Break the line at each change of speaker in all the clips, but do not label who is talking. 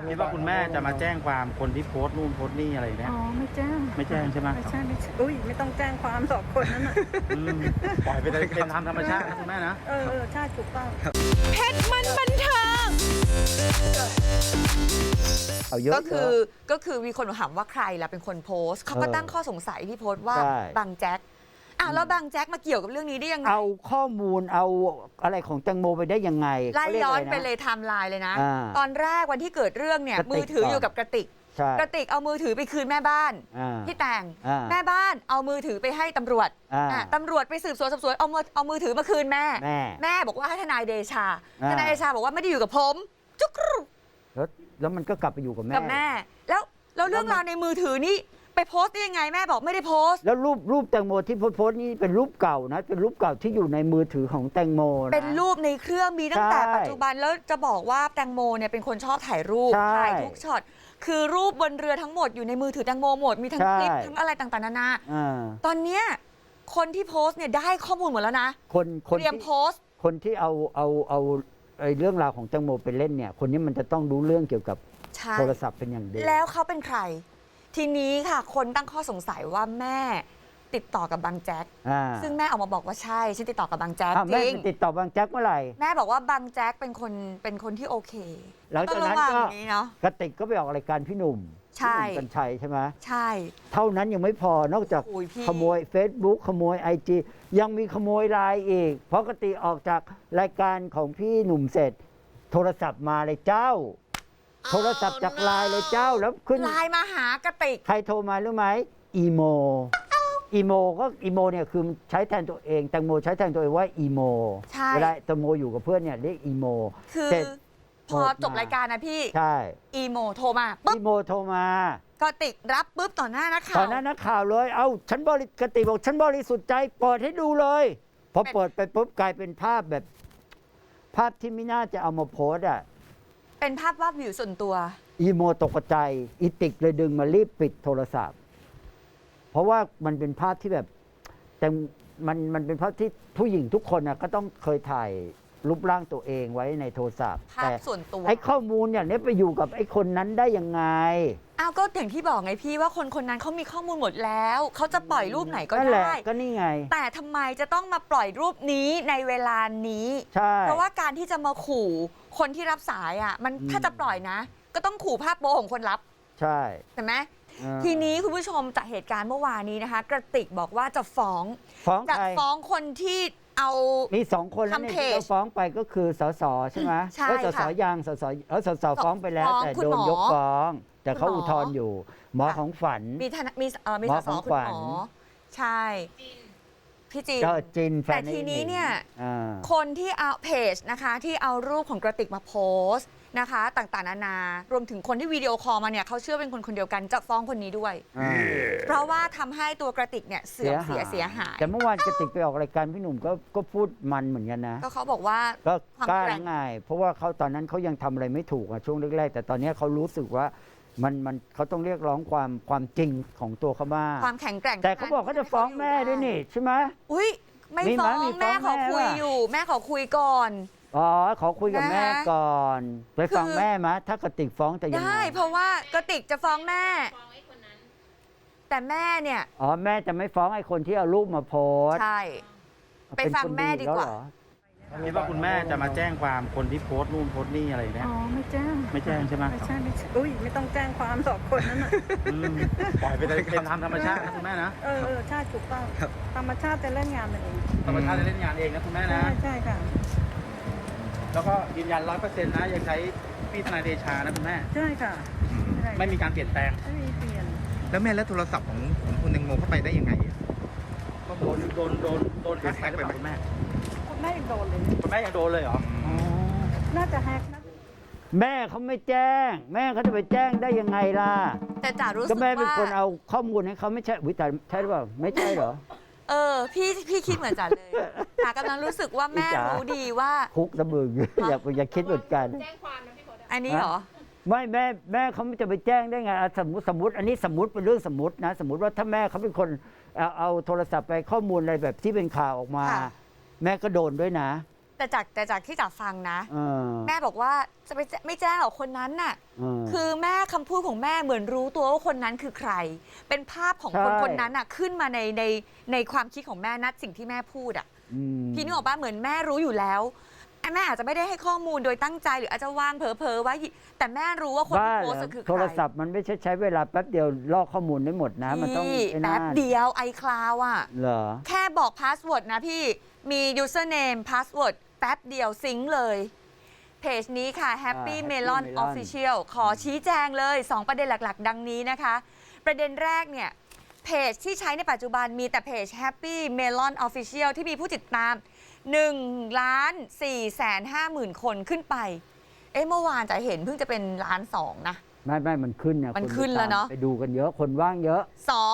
คิดว่าคุณแม่จะมาแจ้งความคนที่โพสต์นู่นโพสต์นี่อะไรเนี่ย
อ๋อไม่แจ้ง
ไม่แจ้งใช่ไหม
ไม่ใช่ไม่ใช่อุ้ยไม่ต้องแจ้งความหรอกคนนั้นน่ะ
ปล่อยไปเลยเป็นธรรมชาตินะคุณแม่นะ
ใช่ถูกต้อง
เพชรมันบันเทิง
เอาเยอะ
ก็คือมีคนถามว่าใครล่ะเป็นคนโพสต์เขาก็ตั้งข้อสงสัยที่โพสต์ว่าบางแจ็คแล้วบางแจ็คมาเกี่ยวกับเรื่องนี้ได้ยังไง
เอาข้อมูลเอาอะไรของแตงโมไปได้ยังไง
ไล่ย้อนไปเลยไทม์ไลน์เลยนะตอนแรกวันที่เกิดเรื่องเนี่ยมือถืออยู่กับกระติกเอามือถือไปคืนแม่บ้านพี่แต่งแม่บ้านเอามือถือไปให้ตำรวจตำรวจไปสืบสวนสอบสวนเอามือถือมาคืนแม่บอกว่าให้ทนายเดชาบอกว่าไม่ได้อยู่กับผมจุ๊ก
แล้วมันก็กลับไปอยู่กับแม่
แล้วเรื่องราวในมือถือนี่ไปโพสต์ได้ยังไงแม่บอกไม่ได้โพสต์
แล้วรูปแตงโมที่โพสต์นี่เป็นรูปเก่านะเป็นรูปเก่าที่อยู่ในมือถือของแตงโมนะ
เป็นรูปในเครื่องมีตั้งแต่ปัจจุบันแล้วจะบอกว่าแตงโมเนี่ยเป็นคนชอบถ่ายรูปถ่ายทุกช็อตคือรูปบนเรือทั้งหมดอยู่ในมือถือแตงโมหมดมีทั้งคลิปทั้งอะไรต่างๆนานาตอนเนี้ยคนที่โพสต์เนี่ยได้ข้อมูลหมดแล้วนะเตรียมโพสต์
คนที่เอาเรื่องราวของแตงโมไปเล่นเนี่ยคนนี้มันจะต้องรู้เรื่องเกี่ยวกับโทรศัพท์เป็นอย่างดี
แล้วเขาเป็นใครทีนี้ค่ะคนตั้งข้อสงสัยว่าแม่ติดต่อกับบางแจ็คซึ่งแม่ออกมาบอกว่าใช่ฉันติดต่อกับบางแจ็คจริง
แม่ติดต่อบางแจ็คเมื่อไหร่
แม่บอกว่าบางแจ็คเป็นคนที่โอเค
แล้วจากนั้นก็กระติกก็ไปออกรายการพี่หนุ่มกัญชัยใช่ไหม
ใช่
เท่านั้นยังไม่พอนอกจากขโมย Facebook ขโมย IG ยังมีขโมยไลน์อีกเพราะกระติกออกจากรายการของพี่หนุ่มเสร็จโทรศัพท์มาเลยเจ้าโทรศัพท์จากไลน์เลยเจ้าแล้วขึ้น
ไลน์มาหากระติก
ใครโทรมารู้ไหมอีโมเนี่ยคือใช้แทนตัวเองแตงโมใช้แทนตัวเองว่าอีโมเวลาแตงโมอยู่กับเพื่อนเนี่ยเรียกอีโม
คือพอจบรายการนะพี่
ใช่
อีโมโทรมาปุ๊บ
อีโมโทรมาก
ระติกรับปุ๊บต่อหน้านักข่าว
ต่อหน้านักข่าวเลยเอาฉันกระติกบอกฉันบริสุทธิ์ใจเปิดให้ดูเลยพอเปิดไปปุ๊บกลายเป็นภาพแบบภาพที่ไม่น่าจะเอามาโพสอ่ะ
เป็นภาพวาดวิวส่วนตัว
อีโมตกใจอีติกเลยดึงมารีบปิดโทรศัพท์เพราะว่ามันเป็นภาพที่แบบแต่มันเป็นภาพที่ผู้หญิงทุกคนนะก็ต้องเคยถ่ายรูปร่างตัวเองไว้ในโทรศัพท์
ภาพส่วนตัว
ไอ้ข้อมูลอย่างนี้ไปอยู่กับไอ้คนนั้นได้ยังไง
ก็อย่างที่บอกไงพี่ว่าคนนั้นเขามีข้อมูลหมดแล้วเขาจะปล่อยรูปไหนก็ได้
ก็นี่ไง
แต่ทำไมจะต้องมาปล่อยรูปนี้ในเวลานี้เพราะว่าการที่จะมาขู่คนที่รับสายมันถ้าจะปล่อยนะก็ต้องขู่ภาพโป๊ของคนรับ
ใช่
ไหมทีนี้คุณผู้ชมจากเหตุการณ์เมื่อวานนี้นะคะกระติกบอกว่าจะฟ้องคนที่เอา
มี2 คนแล้วที่เราฟ้องไปก็คือสสใช่ไหม
ใช่
ค่ะสสยังสสฟ้องไปแล้วแต่โดนยกฟ้องแต่เขาอุทธรณ์อยู่หมอของฝัน
มีสสคุณหมอใช่พี่จีนแต่ทีนี้เนี่ยคนที่เอาเพจนะคะที่เอารูปของกระติกมาโพสต์นะคะต่างๆนานารวมถึงคนที่วิดีโอคอลมาเนี่ยเขาเชื่อเป็นคนเดียวกันจะฟ้องคนนี้ด้วยเพราะว่าทำให้ตัวกระติกเนี่ยเสียหาย
แต่เมื่อวานกระติกไปออกรายการพี่หนุ่มก็พูดมันเหมือนกันนะ
ก็เขาบอกว่า
ก็กล้าง่ายเพราะว่าเขาตอนนั้นเขายังทำอะไรไม่ถูกช่วงแรกๆแต่ตอนนี้เขารู้สึกว่ามันเขาต้องเรียกร้องความจริงของตัวเขาบ้าง
ความแข็งแกร่ง
แต่เขาบอกเขาจะฟ้องแม่ด้วยนี่ใช่ไหม
อุ้ยไม่ฟ้องแม่ขอคุยอยู่แม่ขอคุยก่อน
ขอคุยกับแม่ก่อนไปฟังแม่มะถ้ากระติกฟ้องจะยังไง
ได้เพราะว่ากระติกจะฟ้องแม่แต่แม่เนี่ย
แม่จะไม่ฟ้องไอ้คนที่เอารูปมาโพส
ใช่ไปฟังแม่ดีกว่า
คิดว่าคุณแม่จะมาแจ้งความคนที่โพสต์นู่นโพสต์นี่อะไรเนี่ย
ไม่แจ้ง
ใช่ไหม
ไม่ใช่อุ้ยไม่ต้องแจ้งความหรอกคนนั้นน่ะ
ปล่อยไปเลยเป็นธรรมชาตินะคุณแม่นะ
ใช่ถูกต้องธรรมชาติจะเล่นงานเอง
ธรรมชาติจะเล่นงานเองนะคุณแม่นะ
ใช่ค่ะ
แล้วก็ยืนยัน100%นะยังใช้พี่ทนายเดชานะคุณแม่
ใช่ค่ะ
ไม่มีการเปลี่ยนแปลง
ไม่มีเปลี่ยน
แล้วแม่แล้วโทรศัพท์ของคุณแตงโมเข้าไปได้ยังไง
ก็โดนแฮกไปคุณแม่
ยังโดนเลย
คุณแม่ยังโดนเลยเหรอ
น่าจะแฮกนะ
แม่เขาไม่แจ้งแม่เขาจะไปแจ้งได้ยังไงล่ะ
แต่จ๋ารู้สึกว่าก็
แม่เป็นคนเอาข้อมูลให้เขาไม่ใช่วิจารใช่หรือเปล่าไม่ใช่เหรอ
พี่คิดเหมือนจ๋าเลยจ๋ากำลังรู้สึกว่าแม่รู้ดีว่า
คุกตะบึงอย่าคิดเหมือนกัน
แจ้งความนะพี่พอันนี้เหรอ
ไม่แม่เขาจะไปแจ้งได้ไงสมมติอันนี้สมมติเป็นเรื่องสมมตินะสมมติว่าถ้าแม่เขาเป็นคนเอาโทรศัพท์ไปข้อมูลอะไรแบบที่เป็นข่าวออกมาแม่ก็โดนด้วยนะ
แต่จากที่จ๋าฟังนะ
เออ
แม่บอกว่าจะไปไม่แจ้งหรอกคนนั้นน่ะ
เออ
คือแม่คำพูดของแม่เหมือนรู้ตัวว่าคนนั้นคือใคร เป็นภาพของคน
ใช่
คนนั้นน่ะขึ้นมาในความคิดของแม่นัดสิ่งที่แม่พูดอ่ะ
ม
พี่นึกออกป่ะเหมือนแม่รู้อยู่แล้วแม่อาจจะไม่ได้ให้ข้อมูลโดยตั้งใจหรืออาจจะวางเผลอๆไว้แต่แม่รู้ว่าคนที่
บ้า
โพ
เหร
ส
อ
ต์คือใคร
โทรศัพท์มันไม่ใช้เวลาแป๊บเดียวลอกข้อมูลได้หมดนะ มันต้อง
พี่
ไอ้
แป๊
นั่
บ
น
เดียว iCloud อ่ะ
เหรอ
แค่บอกพาสเวิร์ดนะพี่ มี username password แป๊บเดียวซิงค์เลย เพจนี้ค่ะ Happy
Happy
Melon
Melon
Official ขอชี้แจงเลย 2 ประเด็นหลักๆ ดังนี้นะคะ ประเด็นแรกเนี่ย เพจที่ใช้ในปัจจุบันมีแต่เพจ Happy Melon Official ที่มีผู้ติดตาม 1,450,000 คนขึ้นไป เมื่อวานจะเห็นเพิ่งจะเป็น1.2 ล้านนะ
ไม่มันขึ้นเนี่ย
มัน
ค
ขึ้นแล้วเนอะ
ไปดูกันเยอะคนว่างเยอะ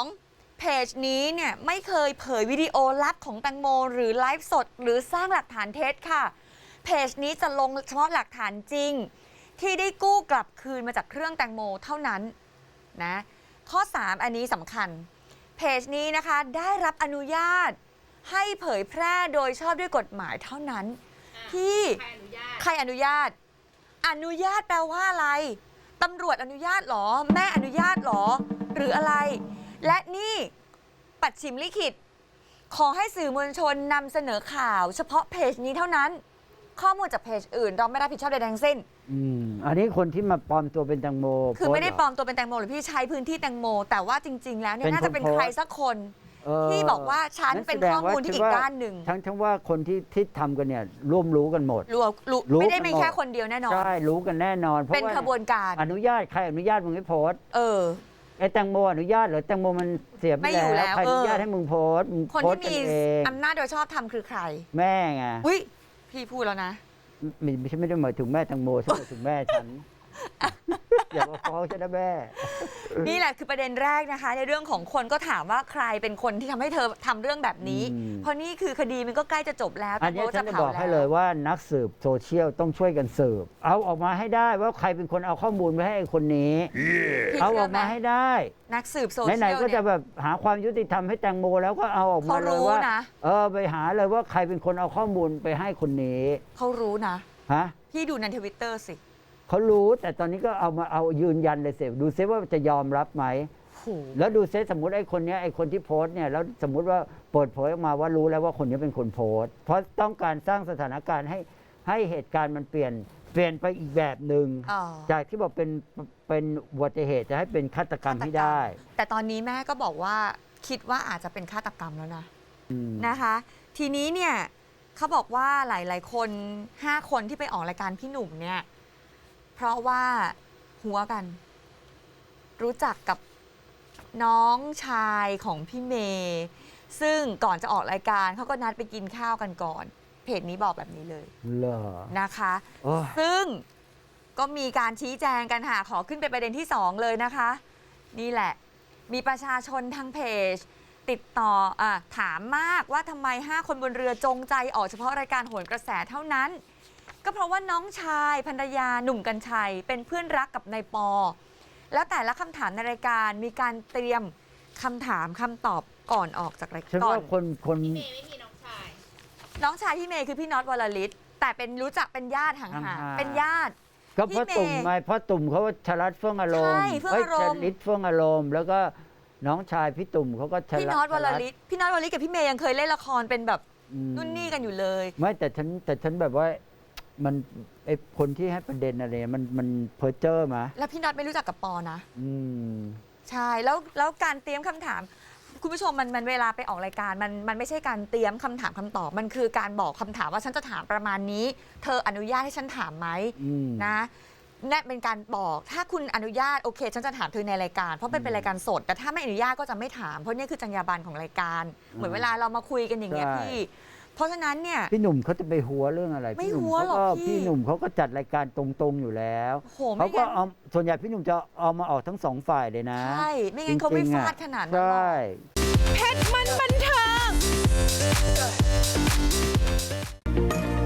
2. เพจนี้เนี่ยไม่เคยเผยวิดีโอลับของแตงโมหรือไลฟ์สด หรือสร้างหลักฐานเท็จค่ะ เพจนี้จะลงเฉพาะหลักฐานจริง ที่ได้กู้กลับคืนมาจากเครื่องแตงโมเท่านั้นนะข้อ 3 อันนี้สำคัญ เพจนี้นะคะได้รับอนุญาตให้เผยแพร่โดยชอบด้วยกฎหมายเท่านั้นที่ใครอนุญาต อนุญาตแปลว่าอะไรตำรวจอนุญาตหรอ แม่อนุญาตหรอ หรืออะไร และนี่ปัดฉิมลิขิตขอให้สื่อมวลชนนำเสนอข่าว เฉพาะเพจนี้เท่านั้น ข้อมูลจากเพจอื่นเราไม่รับผิดชอบใดทั้งสิ้น
อันนี้คนที่มาปลอมตัวเป็นแตงโม
คือไม่ได้
โพ
ปล
ส
อ
ต์เหร
มตัวเป็นแตงโมหรือพี่ใช้พื้นที่แตงโม แต่ว่าจริง ๆ แล้วเนี่ย
เป็น
น่าจะเป็น
คนโพสต์
ใครสักคน
เออ
ที่บอกว่าฉันเป็นข้อมูลที่อีกด้านหนึ่ง
ทั้งว่าคนที่ทำกันเนี่ยร่วมรู้กันหมด
รู้ไม่ได้เป็นแค่คนเดียวแน่นอน
ใช่รู้กันแน่นอนเพราะ
เป็น
ว่า
ขบวนการ
อนุญาตใครอนุญาตมึงให้โพสต์ ไอ้แตงโมอนุญาตเหรือแตงโมมันเสียไป
ไม่อยู่
แล้ว
แล้ว
ใครอนุญาตให้มึงโพสต์มึง
คน
โพส
ที่
ต์กั
มี
นเอง
อำนาจโดยชอบทำคือใคร
แม่ไง
อุ้ยพี่พูดแล้วนะ
ไม่ใช่ไม่ได้หมายถึงแม่แตงโมใช่หมายถึงแม่ฉัน อย่ามาฟ้องฉันนะแม่
นี่แหละคือประเด็นแรกนะคะ ในเรื่องของคนก็ถามว่าใครเป็นคนที่ทำให้เธอทำเรื่องแบบนี้ เพราะนี่คือคดีมันก็ใกล้จะจบแล้ว
อันนี้
โบ๊ท
ฉันจะ
เผา
บอกให้เลยว่านักสืบโซเชียลต้องช่วยกันสืบเอาออกมาให้ได้ว่าใครเป็นคนเอาข้อมูลไปให้ไอ้คนนี้
พี่
เอา
ชื่
ออกมาให้ได้
นักสืบโซเชียล
ไหนๆก็
เนี่
จะ
ย
แบบหาความยุติธรรมให้แตงโมแล้วก็เอาออกมาเลยว่า
เขารู้นะ
ไปหาเลยว่าใครเป็นคนเอาข้อมูลไปให้คนนี้
เขารู้นะ
ฮะ
พี่ดูในทวิตเตอร์สิ
เขารู้แต่ตอนนี้ก็เอายืนยันเลยเสดูซิว่าจะยอมรับไหม
โห
แล้วดูซิสมมติไอ้คนเนี้ยไอ้คนที่โพสต์เนี่ยแล้วสมมติว่าเปิดเผยออกมาว่ารู้แล้วว่าคนนี้เป็นคนโพสต์เพราะต้องการสร้างสถานการณ์ให้เหตุการณ์มันเปลี่ยนไปอีกแบบหนึ่ง
อ๋อ
จากที่บอกเป็นอุบัติเหตุจะให้เป็นฆาตกรรมที่ได้
แต่ตอนนี้แม่ก็บอกว่าคิดว่าอาจจะเป็นฆาตกรรมแล้วนะ
อืม
นะคะ ทีนี้เนี่ยเขาบอกว่าหลายๆ คน 5 คนที่ไปออกรายการพี่หนุ่มเนี่ยเพราะว่าหัวกัน รู้จักกับน้องชายของพี่เมย์ซึ่งก่อนจะออกรายการเขาก็นัดไปกินข้าวกันก่อน เพจนี้บอกแบบนี้เลย
เหรอ
นะคะ
โอ้ย
ซึ่งก็มีการชี้แจงกันค่ะขอขึ้นไปประเด็นที่ 2 เลยนะคะ นี่แหละ มีประชาชนทางเพจ ติดต่อถามมากว่าทำไม 5 คนบนเรือจงใจออกเฉพาะรายการโหนกระแสเท่านั้น ก็เพราะว่าน้องชายภรรยาหนุ่มกัญชัย เป็นเพื่อนรักกับนายปอ แล้วแต่ละคำถามในรายการมีการเตรียมคำถามคำตอบก่อนออกจากราย
ฉัน
การ
ว่าคน
น้องชายพี่เมย์คือพี่น็อตวรลิศแต่เป็นรู้จักเป็นญาติห่าง
ห่าง
ๆ
ๆ
เป็นญาติ
ก็เพราะ
พี่เมย์
ตุ่มไงเพราะตุ่มเขาว่าชลัดเฟื่องอารมณ์
ใช่เฟื่องอารมณ์
ชลิดเฟื่องอารมณ์แล้วก็น้องชายพี่ตุ่มเขาก็ชลัด
พี่น็อตวรลิศพี่น็อตวรลิศกับพี่เมย์ยังเคยเล่นละครเป็นแบบ
อืม
นุ่นนี่กันอยู่เลย
ไม่แต่ฉันแบบว่ามันไอคนที่ให้ประเด็นอะไรมันเพ้อเจ้อมา
แล้วพี่น็อตไม่รู้จักกับปอนะ
อืม
ใช่แล้วการเตรียมคำถาม คุณผู้ชมมันเวลาไปออกรายการมันไม่ใช่การเตรียมคำถามคำตอบ มันคือการบอกคำถามว่าฉันจะถามประมาณนี้ เธออนุญาตให้ฉันถามไหม
อืม
นะนั่นเป็นการบอกถ้าคุณอนุญาตโอเค ฉันจะถามเธอในรายการ เพราะเป็นรายการสด แต่ถ้าไม่อนุญาตก็จะไม่ถาม เพราะนี่คือจรรยาบรรณของรายการ เหมือนเวลาเรามาคุยกันอย่างเงี้ย
ใช่
พี่ เพราะฉะนั้นเนี่ย
พี่หนุ่มเขาจะไปหัวเรื่องอะไร
ไม่
พี่นุ่
หัวหรอก
เขา
พี่
พี่หนุ่มเขาก็จัดรายการตรงๆอยู่แล้ว
โห
เขา
ไม่
ก็
งั้น
เอาส่วนใหญ่พี่หนุ่มจะเอามาออกทั้งสองฝ่ายเลยนะ
ใช่ไม่งั้นเขาไม่
จริงๆ
ฟา
อะ
ดขนาดนั้น
ใช
หรอก
่
เพชรมันบันเทิง